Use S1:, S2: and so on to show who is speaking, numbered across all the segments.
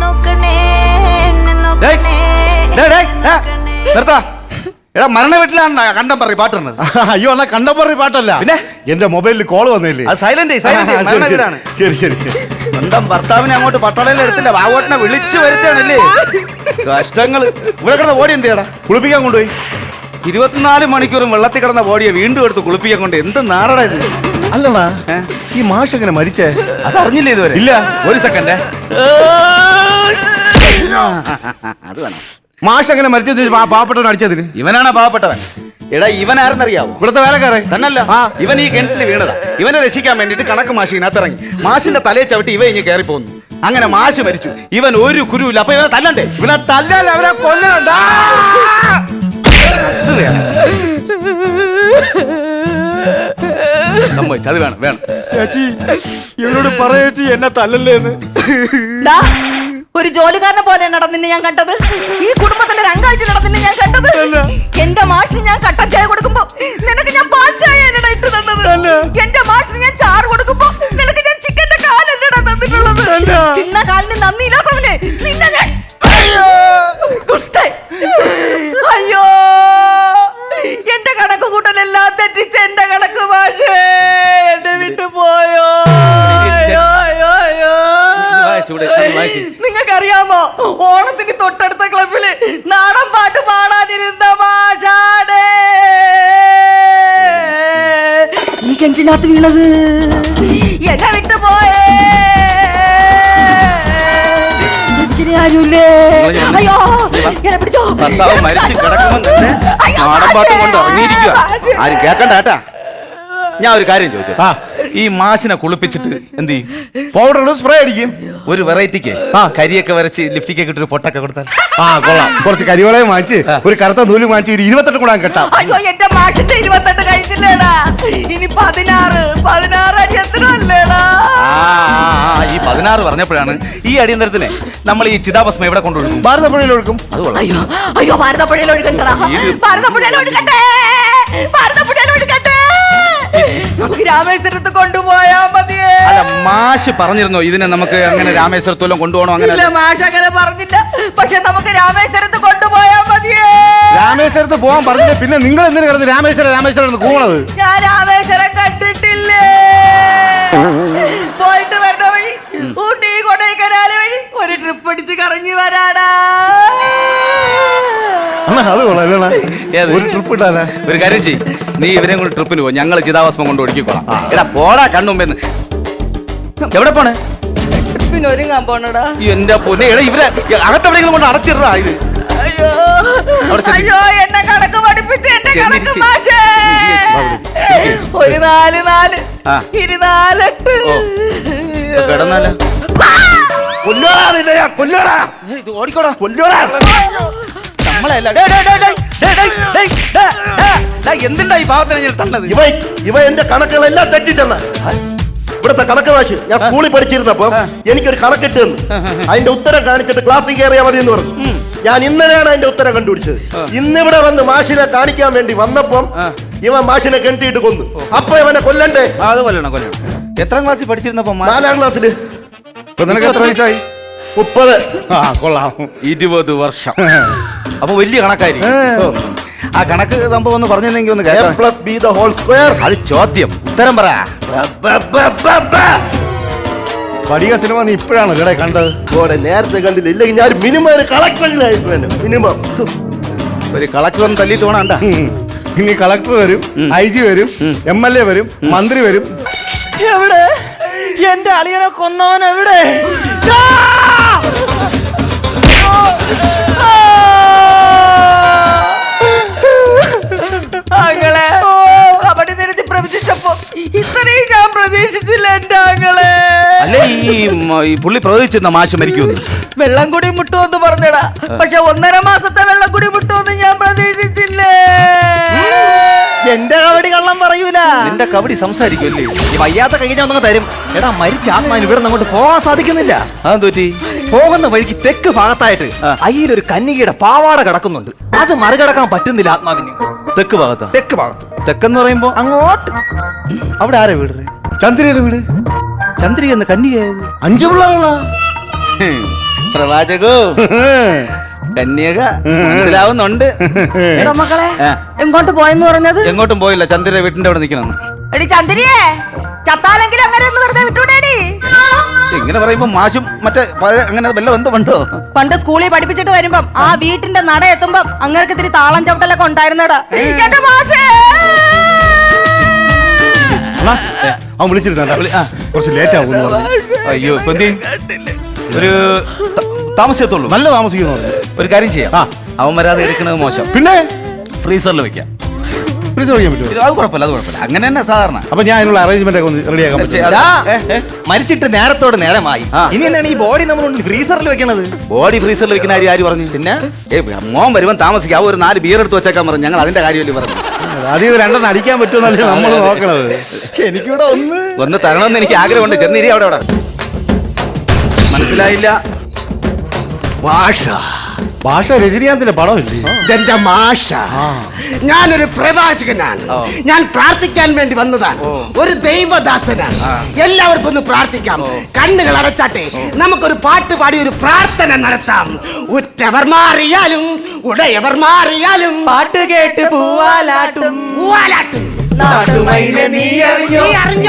S1: എടാ മരണ വീട്ടിലാണ് കണ്ടംപററി പാട്ടുള്ളത്.
S2: അയ്യോ എന്നാ കണ്ടംപററി പാട്ടല്ല,
S1: പിന്നെ
S2: എന്റെ മൊബൈലിൽ കോള് വന്നില്ലേ.
S1: സൈലന്റ്
S2: ശരി ശരി.
S1: സ്വന്തം ഭർത്താവിനെ അങ്ങോട്ട് പട്ടാളയിൽ എടുത്തില്ല, ബാവോട്ടിനെ വിളിച്ചു വരുത്താണല്ലേ കഷ്ടങ്ങള്. ഇവിടെ കിടന്ന ബോഡി എന്ത് ചെയ്യടാ?
S2: കുളിപ്പിക്കാൻ കൊണ്ടുപോയി.
S1: 24 മണിക്കൂറും വെള്ളത്തിൽ കിടന്ന ബോഡിയെ വീണ്ടും എടുത്ത് കുളിപ്പിക്കാൻ കൊണ്ട് എന്ത് നാടടാ ഇത്?
S2: അല്ലടാ ഈ മാഷ് എങ്ങനെ മരിച്ചേ?
S1: അതറിഞ്ഞില്ല ഇതുവരെ?
S2: ഇല്ല.
S1: ഒരു സെക്കൻഡ്, അത് വേണം.
S2: മാഷ് എങ്ങനെ മരിച്ചത്? പാവപ്പെട്ടവൻ അടിച്ചതിന്.
S1: ഇവനാണ് പാവപ്പെട്ടവൻ. എടാ ഇവൻ ആരെന്നറിയാവോ?
S2: ഇവിടുത്തെ വേലക്കാരൻ
S1: തന്നല്ല. ഇവൻ ഈ കിണറ്റിൽ വീണതാ. ഇവനെ രക്ഷിക്കാൻ വേണ്ടിട്ട് കണക്ക് മാഷ് ഇതിനകത്ത് ഇറങ്ങി മാഷിന്റെ തലയെ ചവിട്ടി ഇവ ഇങ്ങനെ കയറി പോന്നു. അങ്ങനെ മാഷ് മരിച്ചു. ഇവൻ ഒരു കുരുവില്ല. അപ്പൊ ഇവനെ തല്ലണ്ടേ?
S2: ഇവനെ തല്ലല്ല, അവനെ കൊല്ലണ്ട.
S1: അത് വേണം വേണം.
S3: ചേച്ചി ഇവനോട് പറയേച്ചി എന്നെ തല്ലല്ലേന്ന്.
S4: ഒരു ജോലിക്കാരനെ പോലെയാണ് നിന്നെ ഞാൻ കണ്ടത്. ഈ കുടുംബത്തിന്റെ ഒരു അംഗമായിട്ട് നിന്നെ ഞാൻ കണ്ടത്. എന്റെ മാഷിന് ഞാൻ കട്ടൻ ചായ കൊടുക്കുമ്പോ നിനക്ക് ഞാൻ പാൽ ചായ ഇട്ട് തന്നത്. എന്റെ മാഷിന് ഞാൻ ചാറ് കൊടുക്കുമ്പോ നിനക്ക് ഞാൻ ചിക്കന്റെ കാലല്ലടാ തന്നിട്ടുള്ളത്. ചിന്ന കാലിന് നന്ദിയില്ലാത്തവനെ നിന്നെ ഞാൻ അയ്യോ എന്റെ കണക്ക് കൂട്ടലെല്ലാം തെറ്റിച്ച് എന്റെ കണക്ക് മാഷേ എന്നെ വിട്ടു പോയോ. നിങ്ങൾക്കറിയാമോ ഓണത്തിന് തൊട്ടടുത്ത ക്ലബില് നാടൻ പാട്ട് പാടാതിരുന്ന മാഷാണ് ഈ കിണറ്റിനകത്ത് വീണത്. എന്നെ വിട്ടു പോയേ. ആരുമില്ലേ? അയ്യോ എന്നെ പിടിച്ചോ.
S1: ഭർത്താവ് മരിച്ചു കിടക്കുമ്പോൾ തന്നെ നാടൻ പാട്ട് കൊണ്ട് ഇറങ്ങിയിരിക്കുക. ആരും കേക്കണ്ട കേട്ടാ. ഞാൻ ഒരു കാര്യം ചോദിച്ചു, ഈ മാഷിനെ കുളിപ്പിച്ചിട്ട് എന്ത് ചെയ്യും?
S2: പൗഡർ സ്പ്രേ അടിക്കും.
S1: ഒരു വെറൈറ്റിക്ക് കരിയൊക്കെ വരച്ച് ലിഫ്റ്റിക്കൊക്കെ ഇട്ടൊരു പൊട്ടൊക്കെ കൊടുത്താൽ
S2: കൊള്ളാം. കുറച്ച് കരിവളയും വാങ്ങിച്ച് ഒരു കറുത്ത നൂല് വാങ്ങിച്ച് ഒരു 28 കൂടാൻ കെട്ടാം.
S4: അയ്യോ എന്റെ മാഷിന്റെ 28 കഴിച്ചില്ലേടാ. ഇനി 16 അടി എത്ര അല്ലേടാ.
S1: ഈ 16 പറഞ്ഞപ്പോഴാണ് ഈ അടിയന്തരത്തിന് നമ്മൾ ഈ ചിതാഭസ്മം എവിടെ കൊണ്ടുപോകും?
S2: ഭാരതപ്പുഴയിൽ ഒഴുക്കും.
S4: അയ്യോ അയ്യോ ഭാരതപ്പുഴയിൽ ഒഴുകണ്ടടാ. ഭാരതപ്പുഴയിൽ ഒഴുകട്ടെ, ഭാരതപ്പുഴയിൽ ഒഴുകട്ടെ. നമുക്ക് രാമേശ്വരത്ത് കൊണ്ടുപോയാ മതിയേ.
S1: അല്ല മാഷ് പറഞ്ഞിരുന്നോ ഇതിനെ നമുക്ക് അങ്ങനെ രാമേശ്വരത്തോളം കൊണ്ടുപോകണം? അങ്ങനെ
S4: മാഷ് അങ്ങനെ പറഞ്ഞില്ല. പക്ഷെ നമുക്ക് രാമേശ്വരത്ത് കൊണ്ടുപോയാ മതിയേ.
S2: രാമേശ്വരത്ത് പോകാൻ പറഞ്ഞില്ല, പിന്നെ നിങ്ങൾ എന്തിനു കിടന്ന് രാമേശ്വരം കൂണത്?
S4: ഞാൻ രാമേശ്വരം കണ്ടിട്ടില്ലേ. പോയിട്ട് വരുന്ന വഴി ഊട്ടി കൊടൈക്കനാല് വഴി ഒരു ട്രിപ്പ് അടിച്ച് കറങ്ങി വരാടാ.
S2: അത് കൊള്ളാം. ഒരു ട്രിപ്പ് ഇട്ടാലേ.
S1: ഒരു കാര്യം ചെയ്യും, നീ ഇവരെ കൊണ്ട് ട്രിപ്പിന് പോ, ഞങ്ങൾ ചിതാഭസ്മം കൊണ്ട് ഒടുക്കിക്കോളാം. എടാ പോടാ കണ്ണുമ്പെന്ന്. എവിടെ പോണേ?
S4: ട്രിപ്പിന് ഒരുങ്ങാൻ പോണടാ.
S1: എന്റെ പൊന്നെ, എടാ ഇവരെ അകത്തെവിടെയെങ്കിലും കൊണ്ട് അടച്ചിടാ. ഇത്
S4: അയ്യോ അയ്യോ എന്നെ കണക്ക് പഠിപ്പിച്ച് എന്റെ കണക്ക് മാഷേ. ഒരു 4 4 24
S1: കിടന്നാലോ ഓടിക്കോടാ കൊല്ലോടാ നമ്മളല്ല. എന്തിണ്ടാ ഈ പാവത്തിനെ ഞാൻ തന്നത്?
S2: ഇവ എന്റെ കണക്കുകളെല്ലാം തെറ്റിച്ചെന്ന ഇവിടുത്തെ കണക്ക് മാഷ്. ഞാൻ സ്കൂളിൽ പഠിച്ചിരുന്നപ്പോ എനിക്കൊരു കണക്കിട്ട് തന്നു. അതിന്റെ ഉത്തരം കാണിച്ചിട്ട് ക്ലാസ്സിൽ കയറിയാൽ മതി എന്ന് പറഞ്ഞു. ഞാൻ ഇന്നലെയാണ് അതിന്റെ ഉത്തരം കണ്ടുപിടിച്ചത്. ഇന്നിവിടെ വന്ന് മാഷിനെ കാണിക്കാൻ വേണ്ടി വന്നപ്പം ഇവൻ മാഷിനെ കെട്ടിയിട്ട് കൊന്നു. അപ്പൊ ഇവനെ കൊല്ലണ്ടേ?
S1: അത് കൊല്ലണം കൊല്ലണം. എത്രാം ക്ലാസ്സിൽ പഠിച്ചിരുന്നപ്പോ?
S2: 4ാം ക്ലാസ്സില്. നിനക്ക് എത്ര വയസ്സായി? 30. കൊള്ളാം.
S1: 20 വർഷം. അപ്പൊ വലിയ കണക്കായിരിക്കും. ആ കണക്ക് സംഭവം ഒന്ന് പറഞ്ഞില്ലെങ്കിൽ ഒന്ന് കേട്ടോ.
S2: A+B²
S1: അത് ചോദ്യം. ഉത്തരം പറ.
S2: സ്പടിക സിനിമ നീ ഇപ്പോഴാണ് ഇവിടെ കണ്ടത്? നേരത്തെ കണ്ടില്ല. ഇല്ലെങ്കിൽ ഞാൻ മിനിമം ഒരു കളക്ടറിനായിരുന്നു. മിനിമം
S1: ഒരു കളക്ടർ ഒന്ന് തല്ലിട്ട് വേണ്ട.
S2: ഇനി കളക്ടർ വരും, IG വരും, MLA വരും, മന്ത്രി വരും.
S3: എവിടെ എന്റെ അളിയനെ കൊന്നവൻ എവിടെ?
S4: ആങ്ങളെ കബഡി നിരത്തി പ്രവചിച്ചപ്പോ ഇത്രയും ഞാൻ പ്രതീക്ഷിച്ചില്ല എന്റെ ആങ്ങളെ.
S1: അല്ലേ ഈ പുള്ളി പ്രവചിച്ചിരുന്ന മാഷ് മരിക്കുമെന്ന്.
S4: വെള്ളം കൂടി മുട്ടുമെന്ന് പറഞ്ഞടാ. പക്ഷെ 1.5 മാസത്തെ വെള്ളം കൂടി മുട്ടുമെന്ന് ഞാൻ പ്രതീക്ഷിച്ചില്ലേ.
S3: എന്റെ കബഡി കള്ളം പറയൂല.
S1: എന്റെ കബഡി സംസാരിക്കുമല്ലേ?
S3: ഈ വയ്യാത്ത കഴിഞ്ഞ ഒന്നങ്ങ് തരും. എടാ മരിച്ച ആത്മാവിന് ഇവിടെ അങ്ങോട്ട് പോകാൻ സാധിക്കുന്നില്ല.
S1: അതെന്തുപറ്റി?
S3: പോകുന്ന വഴിക്ക് തെക്ക് ഭാഗത്തായിട്ട് അയ്യിലൊരു കന്യകയുടെ പാവാട കിടക്കുന്നുണ്ട്. അത് മറികടക്കാൻ പറ്റുന്നില്ല ആത്മാവിന്.
S1: തെക്ക് ഭാഗത്താ?
S3: തെക്ക് ഭാഗത്ത്.
S1: തെക്കെന്ന് പറയുമ്പോ
S3: അങ്ങോട്ട്.
S1: അവിടെ ആരാ വീട്?
S2: ചന്ദ്രയുടെ വീട്.
S1: ചന്ദ്രിക എന്ന് കന്യകയായത്?
S2: 5 പിള്ളേരുള്ള.
S1: പ്രവാചകോ കന്യക മനസ്സിലാവുന്നുണ്ട്.
S4: എടാ മക്കളെ
S1: ആ.
S4: എങ്ങോട്ട് പോയെന്ന് പറഞ്ഞത്?
S1: എങ്ങോട്ടും പോയില്ല, ചന്ദ്രന്റെ വീട്ടിന്റെ അവിടെ നിൽക്കണം.
S4: എടി ചന്ദ്രിയെ, ചത്താലെങ്കിലും അങ്ങനെ ഒന്ന് വെറുതെ വിട്ടൂടേടി.
S1: ഇങ്ങനെ പറയുമ്പോ മാഷും മറ്റേ അങ്ങനെ വല്ല ബന്ധമുണ്ടോ?
S4: പണ്ട് സ്കൂളിൽ പഠിപ്പിച്ചിട്ട് വരുമ്പം ആ വീട്ടിന്റെ നട എത്തുമ്പം അങ്ങനെ ഇത്തിരി താളം ചവിട്ടലൊക്കെ ഉണ്ടായിരുന്നടാ. എന്റെ മാഷേ
S2: അവൻ വിളിച്ചിരുന്ന കുറച്ച് ലേറ്റ് ആവും.
S1: അയ്യോ ഇപ്പൊ എന്ത് ചെയ്യും? ഒരു താമസിക്കത്തുള്ളൂ.
S2: നല്ല താമസിക്കുന്നു.
S1: ഒരു കാര്യം ചെയ്യാം, അവൻ വരാതെ എടുക്കുന്നത് മോശം.
S2: പിന്നെ
S1: ഫ്രീസറിൽ വെക്കാം.
S2: ഫ്രീസർ വയ്ക്കാൻ പറ്റുമോ?
S1: അത് കുഴപ്പമില്ല, അത് കുഴപ്പമില്ല. അങ്ങനെ തന്നെ സാധാരണ.
S2: അപ്പൊ ഞാൻ അതിനുള്ള അറേഞ്ച്മെന്റ് ഒക്കെ ഒന്ന് റെഡിയാക്കാൻ പറ്റും.
S3: മരിച്ചിട്ട് നേരത്തോട് നേരമായി. ഇനി എന്താണ് ഈ ബോഡി നമ്മൾ ഫ്രീസറിൽ വെക്കണത്?
S1: ബോഡി ഫ്രീസറിൽ വെക്കുന്ന കാര്യം ആര് പറഞ്ഞു? പിന്നെ മോൻ വരുമ്പോൾ താമസിക്കാം. ഒരു 4 ബിയർ എടുത്ത് വെച്ചേക്കാൻ പറഞ്ഞു. ഞങ്ങൾ അതിന്റെ കാര്യമല്ലേ പറഞ്ഞു.
S2: അതിൽ 2 അടിക്കാൻ പറ്റുമെന്നല്ലേ നമ്മൾ നോക്കണത്.
S3: എനിക്കിവിടെ
S1: ഒന്ന് തരണമെന്ന് എനിക്ക് ആഗ്രഹമുണ്ട്. ചെന്നിരി അവിടെ അവിടെ. മനസ്സിലായില്ല?
S2: ഭാഷ രജനീകാന്തിന്റെ പടമില്ലേ?
S5: ഇതെന്റെ മാഷ. ഞാനൊരു പ്രവാചകനാണ്. ഞാൻ പ്രാർത്ഥിക്കാൻ വേണ്ടി വന്നതാണ്. ഒരു ദൈവദാസനാണ്. എല്ലാവർക്കും ഒന്ന് പ്രാർത്ഥിക്കാം. കണ്ണുകൾ അടച്ചാട്ടെ. നമുക്കൊരു പാട്ട് പാടി ഒരു പ്രാർത്ഥന നടത്താം. ഉറ്റവർ മാറിയാലും ഉടയവർ മാറിയാലും
S3: പാട്ട് കേട്ട് പൂവാലാട്ടും
S5: പൂവാലാട്ടും
S3: നാട്ടുമയിലെ നീ അറിഞ്ഞോ?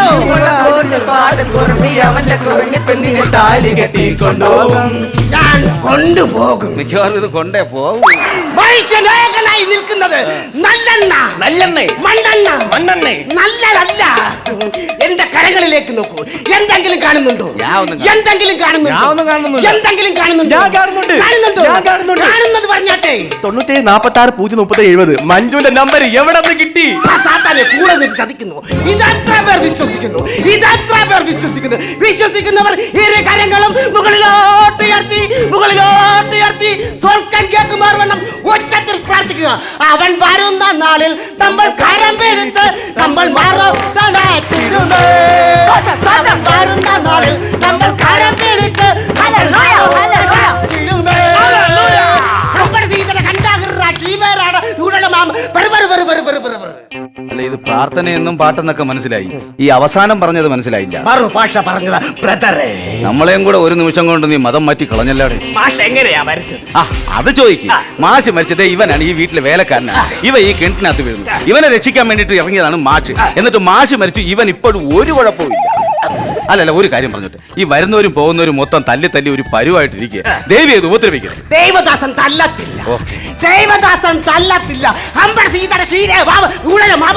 S3: താലി കെട്ടിക്കൊണ്ടുപോകും.
S5: ഞാൻ കൊണ്ടുപോകും.
S1: മിക്കവാറും ഇത് കൊണ്ടേ പോകും.
S5: മനുഷ്യനേകനായി നിൽക്കുന്നത് നല്ലെണ്ണ, മണ്ണെണ്ണ, നല്ലതല്ല. എന്റെ കരങ്ങളിലേക്ക് നോക്കൂ. എന്തെങ്കിലും കാണുന്നുണ്ടോ? എന്തെങ്കിലും കാണുന്നുണ്ടോ? എന്തെങ്കിലും കാണുന്നുണ്ടോ? കാണുന്നത് പറഞ്ഞാട്ടെ.
S3: 97 46 030 70 മഞ്ജുവിന്റെ നമ്പർ എവിടെ നിന്ന് കിട്ടി?
S5: സാത്താനെ കൂടെ നിന്ന് ചതിക്കുന്നു. ഇതെത്ര പേർ വിശ്വസിക്കുന്നു? ഇതെത്ര പേർ വിശ്വസിക്കുന്നു? വിശ്വസിക്കുന്നവർ ഇരു കരങ്ങളും മുകളിലോട്ട് ഉയർത്തി സ്വർഗ്ഗം കേൾക്കുമാർ വണ്ണം ഉച്ചത്തിൽ പ്രാർത്ഥിക്കുക. അവൻ വരുന്ന നാളിൽ നമ്മൾ കരം പിടിച്ച് നമ്മൾ മാറത്തിരുമേ. അവൻ വരുന്ന നാളിൽ നമ്മൾ കരം പിടിച്ച്
S1: അല്ല, ഇത് പ്രാർത്ഥനയെന്നും പാട്ടെന്നൊക്കെ മനസ്സിലായി. ഈ അവസാനം പറഞ്ഞത് മനസ്സിലായില്ല.
S5: ഭാഷ പറഞ്ഞത് ബ്രദറെ.
S1: നമ്മളെയും കൂടെ ഒരു നിമിഷം കൊണ്ട് നീ മതം മാറ്റി കളഞ്ഞല്ലാടെ.
S5: മാഷ് എങ്ങനെയാ മരിച്ചത്?
S1: അത് ചോദിക്കും. മാഷ് മരിച്ചത് ഇവനാണ്, ഈ വീട്ടിലെ വേലക്കാരനാണ്. ഇവ ഈ കിണറ്റിനകത്ത് വീഴുന്നു. ഇവനെ രക്ഷിക്കാൻ വേണ്ടിട്ട് ഇറങ്ങിയതാണ് മാഷ്. എന്നിട്ട് മാഷ് മരിച്ചു. ഇവൻ ഇപ്പോഴും ഒരു കുഴപ്പവും ഇല്ല. അല്ലല്ല, ഒരു കാര്യം പറഞ്ഞിട്ട്, ഈ വരുന്നവരും പോകുന്നവരും മൊത്തം തല്ലി ഒരു പരുവായിട്ടിരിക്കുക. ദേവി അത് ഉപദ്രവിക്കരുത്.
S5: ദൈവദാസൻ തല്ലത്തില്ല. ദൈവദാസൻ തല്ലത്തില്ല. അമ്പഴ സീതയുടെ ശീലേ വാവ ഊഴല മാവ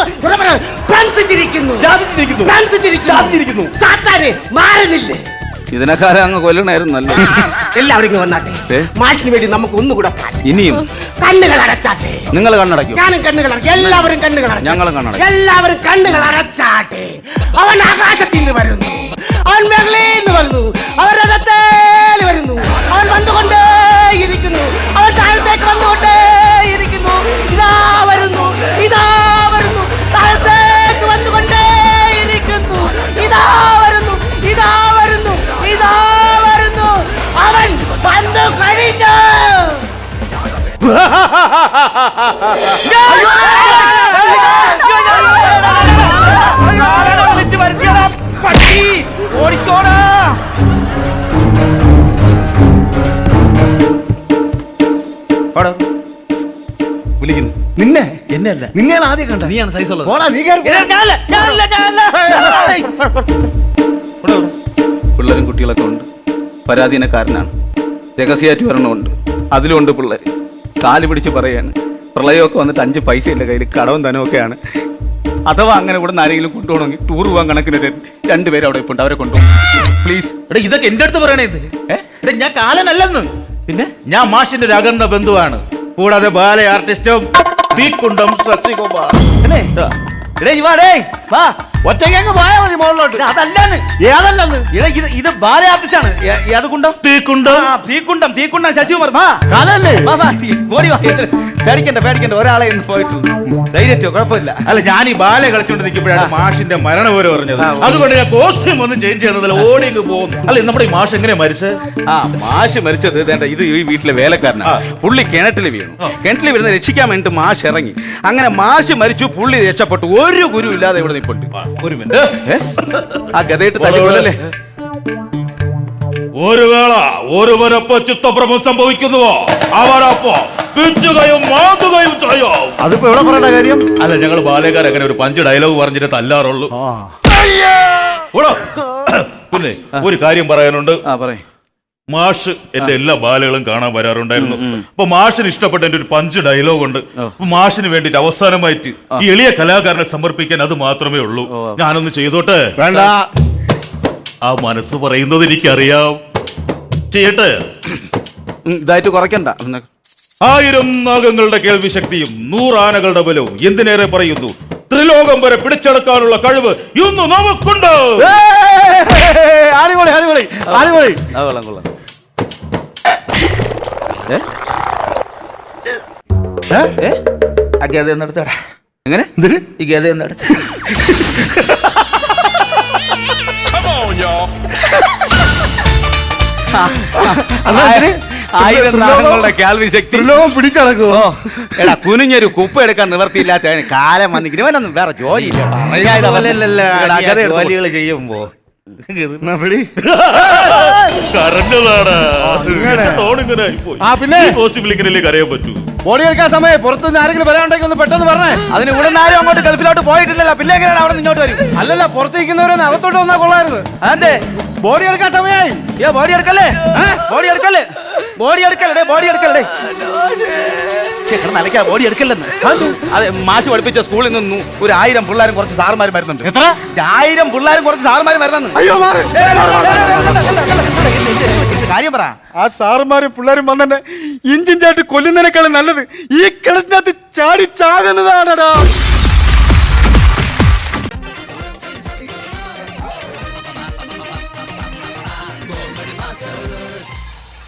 S5: ശാസിച്ചിരിക്കുന്നു. സാത്താനെ മാറുന്നില്ലേ?
S1: ഇതിനെക്കാലം അങ്ങ് കൊല്ലണായിരുന്നു നല്ല.
S5: എല്ലാവരും ഇങ്ങ് വന്നാട്ടെ. മാഷിന് വേണ്ടി നമുക്ക് ഒന്നുകൂടെ
S1: ഇനിയും
S5: കണ്ണുകൾ അടച്ചാട്ടെ.
S1: നിങ്ങൾ കണ്ണടയ്ക്കും.
S5: ഞാനും കണ്ണുകൾ അടയ്ക്കും. എല്ലാവരും കണ്ണുകൾ അടയ്ക്കും.
S1: ഞങ്ങളും കണ്ണടയ്ക്കും.
S5: എല്ലാവരും കണ്ണുകൾ അടച്ചാട്ടെ. അവൻ ആകാശത്തിൽ നിന്ന് വരുന്നു. അവൻ മേഖലയിൽ നിന്ന് വരുന്നു. അവൻ രഥത്തിൽ വരുന്നു. അവൻ വന്നുകൊണ്ടേയിരിക്കുന്നു. അവൻ താഴത്തേക്ക് വന്നുകൊണ്ടേയിരിക്കുന്നു. ഇതാ വരുന്നു. താഴത്തേക്ക് വന്നുകൊണ്ടേയിരിക്കുന്നു. ഇതാ വരുന്നു. അവൻ വന്നു കഴിഞ്ഞു.
S1: വിളിക്കുന്നു.
S3: നിന്നെ
S1: എന്നെയല്ല,
S3: നിന്നെയാണ് ആദ്യം കണ്ട.
S1: നീയാണ് സൈസ് ഉള്ളത്. പിള്ളേരും കുട്ടികളൊക്കെ ഉണ്ട്. പരാധീനക്കാരനാണ്. രഹസ്യമായിട്ട് വരണമുണ്ട്. അതിലുണ്ട് പിള്ളേർ. കാല് പിടിച്ച് പറയാണ്. പ്രളയമൊക്കെ വന്നിട്ട് 5 പൈസ ഇല്ല കയ്യിൽ. കടവും ധനമൊക്കെയാണ്. അഥവാ അങ്ങനെ ഇവിടെ നിന്ന് ആരെങ്കിലും കൊണ്ടുപോകണമെങ്കിൽ ടൂർ പോകാൻ കണക്കിന് 2 പേര് അവിടെ ഇപ്പുണ്ട്. അവരെ കൊണ്ടുപോകും പ്ലീസ്.
S6: എടാ ഇതൊക്കെ എന്റെ അടുത്ത് പറയണേ. എടാ ഞാൻ കാലനല്ലെന്ന്.
S1: പിന്നെ
S6: ഞാൻ മാഷിന്റെ ഒരു അകന്ന ബന്ധുവാണ്. കൂടാതെ ബാലെ ആർട്ടിസ്റ്റും തീക്കുണ്ടം ശശികുമാർ. ഒറ്റയ്ക്ക് പോയാ മതി മോളിലോട്ട്.
S1: അതല്ലാന്ന്.
S6: ഏതല്ലെന്ന്?
S1: ഇത് ബാല ആർട്ടിസ്റ്റാണ്. ഏതുകുണ്ടം? തീക്കുണ്ടം ശശികുമാർ.
S6: കാലല്ലേ?
S1: പേടിക്കണ്ട. ഒരാളെ ഇന്ന് പോയിട്ട് ധൈര്യറ്റോ കുഴപ്പമില്ല.
S6: അല്ല, ഞാൻ ഈ ബാലെ കളിച്ചോണ്ട് നിൽക്കുമ്പോഴാണ് മാഷിന്റെ മരണവിവരം പറഞ്ഞത്. അതുകൊണ്ട് ഞാൻ കോസ്റ്റ്യൂം ഒന്ന് ചേഞ്ച് ചെയ്യുന്നതിൽ ഓടിക്ക് പോകുന്നു. അല്ല, നമ്മുടെ ഈ മാഷ് എങ്ങനെയാ മരിച്ചത്?
S1: മാഷ് മരിച്ചത് ഇത് ഈ വീട്ടിലെ വേലക്കാരനാണ്. പുള്ളി കിണറ്റിൽ വീണു. കിണറ്റിൽ വീഴുന്ന രക്ഷിക്കാൻ വേണ്ടിട്ട് മാഷ് ഇറങ്ങി. അങ്ങനെ മാഷ് മരിച്ചു. പുള്ളി രക്ഷപ്പെട്ടു. ഒരു ഗുരു ഇല്ലാതെ ഇവിടെ നിൽപ്പുണ്ട്.
S6: ഒരു മിനിറ്റ്.
S1: ആ ഗതയിട്ട് തല്ലിക്കൊള്ളല്ലേ.
S6: ഒരു വേള ഒരുവനൊപ്പം ചിത്തഭ്രമം സംഭവിക്കുന്നുവോ അവരപ്പോ പിച്ചുകയും മാതുകയും ചെയ്യും.
S2: അതിപ്പോ എവിടെ പറയേണ്ട കാര്യം?
S6: അല്ല, ഞങ്ങൾ ബാല്യക്കാർ അങ്ങനെ ഒരു 5 ഡയലോഗ് പറഞ്ഞിട്ട് തല്ലാറുള്ളൂ. ഓടോ. പിന്നെ ഒരു കാര്യം പറയാനുണ്ട്.
S1: പറയും.
S6: മാഷ് എന്റെ എല്ലാ ബാലകളും കാണാൻ വരാറുണ്ടായിരുന്നു. അപ്പൊ മാഷിന് ഇഷ്ടപ്പെട്ട എന്റെ ഒരു 5 ഡയലോഗ് ഉണ്ട്. അപ്പൊ മാഷിന് വേണ്ടിട്ട് അവസാനമായിട്ട് ഈ എളിയ കലാകാരനെ സമർപ്പിക്കാൻ അത് മാത്രമേ ഉള്ളൂ. ഞാനൊന്ന് ചെയ്തോട്ടെ?
S2: വേണ്ട.
S6: ആ മനസ്സ് പറയുന്നത് എനിക്കറിയാം. ചെയ്യട്ടെ?
S1: ഇതായിട്ട് കുറയ്ക്കണ്ട.
S6: 1000 നാഗങ്ങളുടെ കേൾവി ശക്തിയും 100 ആനകളുടെ ബലവും എന്തിനേറെ പറയുന്നു, ത്രിലോകം വരെ പിടിച്ചെടുക്കാനുള്ള കഴിവ് ഇന്ന് നമുക്കുണ്ട്.
S2: അടിപൊളി അടിപൊളി അടിപൊളി.
S1: കൊള്ളാം കൊള്ളാം.
S5: എടുത്തടാ.
S1: എങ്ങനെ?
S5: ഈ ഗത ഒന്ന് എടുത്ത്.
S1: ആയിരം നാഗങ്ങളുടെ കാൽവി ശക്തി
S2: പിടിച്ചടക്കുമോ?
S1: എടാ കുനിഞ്ഞൊരു കുപ്പ എടുക്കാൻ നിവർത്തിയില്ലാത്ത കാലം വന്നിരിക്കുന്നു. ഇവനൊന്നും വേറെ ജോലിയില്ല.
S5: ജോലികൾ ചെയ്യുമ്പോ
S6: കരഞ്ഞതാണ്.
S2: പിന്നെ
S6: പോസിബിൾ ഇങ്ങനെയല്ലേ കരയാൻ പറ്റൂ?
S2: ബോഡി എടുക്കാൻ സമയം പുറത്തുനിന്ന് ആരെങ്കിലും വരാനുണ്ടെങ്കിൽ ഒന്ന് പെട്ടെന്ന് പറഞ്ഞേ.
S1: അതിന് ഇവിടെ ആരും അങ്ങോട്ട് ഗൾഫിലോട്ട് പോയിട്ടില്ലല്ലോ. പിന്നെ എങ്ങനെയാണ് അവിടെ നിന്നോട്ട് വരും?
S2: അല്ലല്ല, പുറത്തേക്കുന്നവരൊന്ന് അകത്തോട്ട് വന്നാ കൊള്ളായിരുന്നു.
S1: അതെ,
S2: ബോഡി എടുക്കാൻ സമയമായി.
S1: ബോഡി എടുക്കല്ലേ, ബോഡി എടുക്കല്ലേ, ബോഡി എടുക്കല്ലേ, ബോഡി എടുക്കല്ലേ. നിലയ്ക്കാ ബോഡി എടുക്കല്ലെന്ന്. അതെ, മാഷ് പഠിപ്പിച്ച സ്കൂളിൽ നിന്ന് ഒരു 1000 പിള്ളേരും കുറച്ച് സാറുമാരും വരുന്നുണ്ട്.
S2: എത്ര?
S1: 1000 പിള്ളേരും കുറച്ച് സാറുമാരും വരുന്നു.
S2: അയ്യോ മാറി.
S1: കാര്യം പറ.
S7: ആ സാറുമാരും പിള്ളേരും വന്നെ ഇഞ്ചിഞ്ചായിട്ട് കൊല്ലുന്നതിനേക്കാളും നല്ലത് ഈ കിണറ്റിനകത്ത് ചാടി ചാകുന്നതാണടാ.